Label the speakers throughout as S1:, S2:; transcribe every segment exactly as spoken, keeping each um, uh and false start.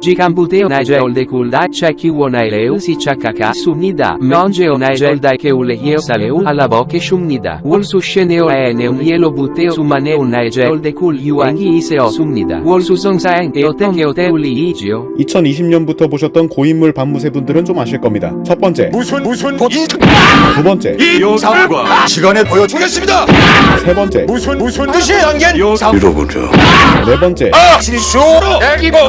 S1: Jikam buteo nigel de kulda cheki wonaileus i chakaka sumnida. Mongeo nigel dai ke ulehio saleu alla boke shumnida. Wol su sheneo aeneum yelo buteo sumaneo nigel de kul yuangi iseo sumnida. Wol su songsaeng eoten eoteuli igio.
S2: 이천이십 년부터 보셨던 고인물 반무새 분들은 좀 아실 겁니다. 첫 번째,
S3: 무슨 무슨 이
S2: 두 번째,
S3: 이 영상과 시간에 보여주겠습니다.
S2: 세 번째,
S3: 무슨 무슨 뜻이 담긴 영상 잃어버려.
S2: 네 번째,
S3: 아 실수로 애기고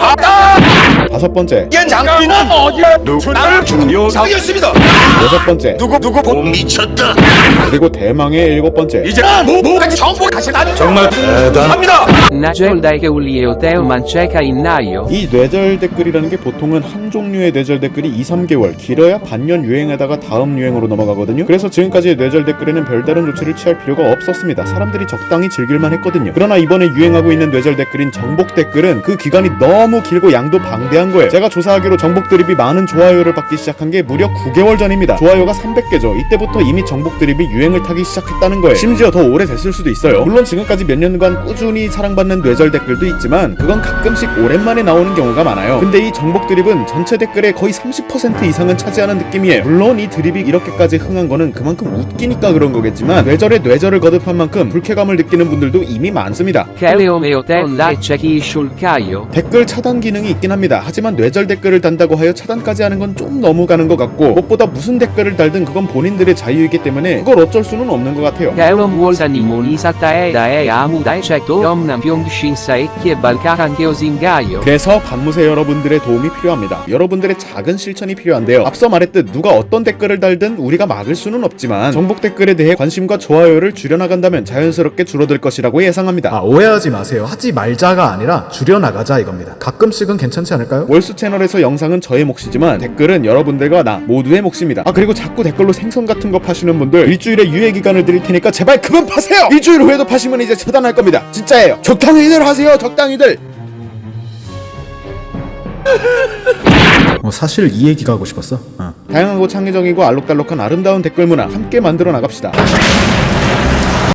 S3: 왔다.
S2: 다섯 번째,
S3: 이 장비는 어디야? 누구 나를 주는 영상이었습니다.
S2: 여섯 번째,
S3: 누구 누구 못 미쳤다.
S2: 그리고 대망의 일곱 번째.
S3: 이제 뭐뭐까지 정보 다시 나는 정말 대단합니다.
S1: Nigel dai ke uli eoteo mancheca in naio.
S2: 이 뇌절 댓글이라는 게 보통은 한 종류의 뇌절 댓글이 이, 삼 개월, 길어야 반년 유행하다가 다음 유행으로 넘어가거든요. 그래서 지금까지의 뇌절 댓글에는 별다른 조치를 취할 필요가 없었습니다. 사람들이 적당히 즐길만 했거든요. 그러나 이번에 유행하고 있는 뇌절 댓글인 정복 댓글은 그 기간이 너무 길고 양도 방대한 거예요. 제가 조사하기로 정복 드립이 많은 좋아요를 받기 시작한 게 무려 구 개월 전입니다. 좋아요가 삼백 개죠. 이때부터 이미 정복 드립이 유행을 타기 시작했다는 거예요. 심지어 더 오래됐을 수도 있어요. 물론 지금까지 몇 년간 꾸준히 사랑받는 뇌절 댓글도 있지만 그건 가끔씩 오랜만에 나오는 경우가 많아요. 근데 이 정복 드립은 전체 댓글의 거의 삼십 퍼센트 이상은 차지하는 느낌이에요. 물론 이 드립이 이렇게까지 흥한 거는 그만큼 웃기니까 그런 거겠지만 뇌절에 뇌절을 거듭한 만큼 불쾌감을 느끼는 분들도 이미 많습니다.
S1: Keleom eoteon dai cheki shulkaio.
S2: 댓글 차단 기능이 있긴 합니다. 하지만 뇌절 댓글을 단다고 하여 차단까지 하는 건 좀 너무 가는 것 같고 무엇보다 무슨 댓글을 달든 그건 본인들의 자유이기 때문에 그걸 어쩔 수는 없는 것 같아요.
S1: Keleom wolsanimon isatae dae amu dai chekto omnam pyongshинsa ekkie balkaran keozingaio.
S2: 그래서 반무새 여러분들의 도움이 필요합니다. 여러분들의 작은 실천이 필요한데요. 앞서 말했듯 누가 어떤 댓글을 달든 우리가 막을 수는 없지만 정복 댓글에 대해 관심과 좋아요를 줄여나간다면 자연스럽게 줄어들 것이라고 예상합니다.
S4: 아, 오해하지 마세요. 하지 말자가 아니라 줄여나가자 이겁니다. 가끔씩은 괜찮지 않을까요?
S2: 월수 채널에서 영상은 저의 몫이지만 댓글은 여러분들과 나 모두의 몫입니다. 아 그리고 자꾸 댓글로 생선 같은 거 파시는 분들 일주일에 유예 기간을 드릴 테니까 제발 그만 파세요! 일주일 후에도 파시면 이제 처단할 겁니다. 진짜예요. 적당히들 하세요. 적당히들.
S4: 어, 사실 이 얘기가 하고 싶었어. 어.
S2: 다양하고 창의적이고 알록달록한 아름다운 댓글 문화 함께 만들어 나갑시다.